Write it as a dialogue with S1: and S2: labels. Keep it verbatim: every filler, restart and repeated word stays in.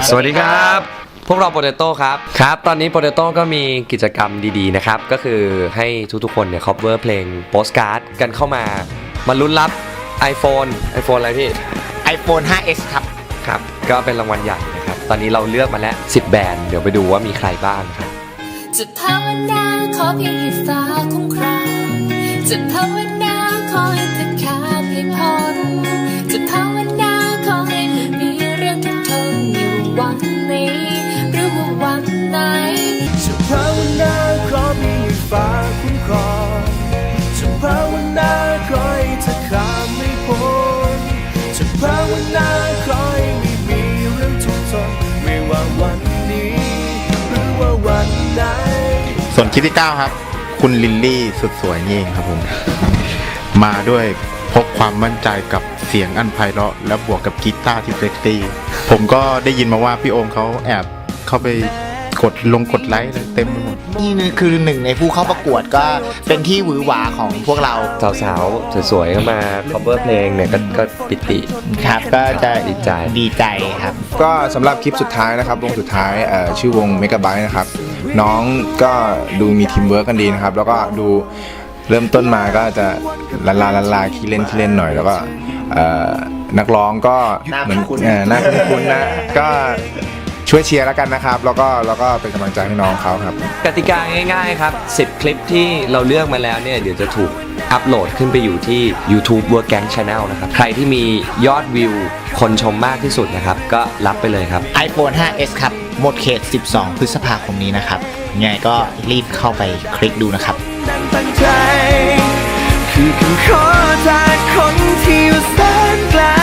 S1: สวัสดีครับพวกเราโปเตโต้ครับครับตอนนี้โปเตโต้ก็มีกิจกรรมดีๆนะครับก็คือให้ทุกๆคนเนี่ย cover เพลงโปสการ์ดกันเข้ามามาลุ้นรับ iPhone iPhone อะไรพี่
S2: iPhone ไฟว์ เอส ครับ
S1: ครับก็เป็นรางวัลใหญ่นะครับตอนนี้เราเลือกมาแล้วสิบแบรนด์เดี๋ยวไปดูว่ามีใครบ้างครับ
S3: จะภาวนาขอเพียงให้ฟ้าคุ้มครองจะภาวนาขอให้เธอขาดให้พ้นจะภาวนาขอให้ไม่มีเรื่องทุกข์ทนอยู่วันนี้หรือว่าวันไหน
S4: จะภาวนาขอเพียงให้ฟ้าคุ้มครองจะภาวนาขอให้เธอข้ามไม่พ้นจะภาวนาขอให้ไม่มีเรื่องทุกข์ทนไม่ว่าวันนี้หรือว่าวันไหน
S5: ส่วนคลิปที่เก้าครับคุณลิลลี่สุดสวยนี่เองครับผม มาด้วยพกความมั่นใจกับเสียงอันไพเราะและบวกกับกีตาร์ที่เซ็กซี่ผมก็ได้ยินมาว่าพี่โอมเขาแอบเข้าไปกดลงกดไลค์เต็มไปหมด
S2: นี่คือหนึ่งในผู้เข้าประกวดก็เป็นที่หวือหวาของพวกเรา
S1: สาวๆสวยๆก็มา cover เพลงเนี่ยก็ก็ปิติ
S2: ครับก็จะ
S1: ดีใจ
S2: ดีใจครับ
S6: ก็สำหรับคลิปสุดท้ายนะครับวงสุดท้ายเอ่อชื่อวง Megabyte นะครับน้องก็ดูมีทีมเวิร์กกันดีนะครับแล้วก็ดูเริ่มต้นมาก็จะละลาละลาขี้เล่นขี้เล่นหน่อยแล้วก็นักร้องก็เหมือนน่าคุ้นๆนะก็ช่วยเชียร์แล้วกันนะครับแล้วก็แล้วก็เป็นกำลังใจให้น้องเขาครับ
S1: กติกาง่ายๆครับสิบคลิปที่เราเลือกมาแล้วเนี่ยเดี๋ยวจะถูกอัปโหลดขึ้นไปอยู่ที่ YouTube Work Gang Channel นะครับใครที่มียอดวิวคนชมมากที่สุดนะครับก็รับไปเลยครับ
S2: iPhone ไฟว์ เอส ครับหมดเขตสิบสองพฤษภาคมนี้นะครับยังไงก็รีบเข้าไปคลิกดูนะครับ
S4: ตั้งใจคือคำขอจากคนที่อยู่แสนไกล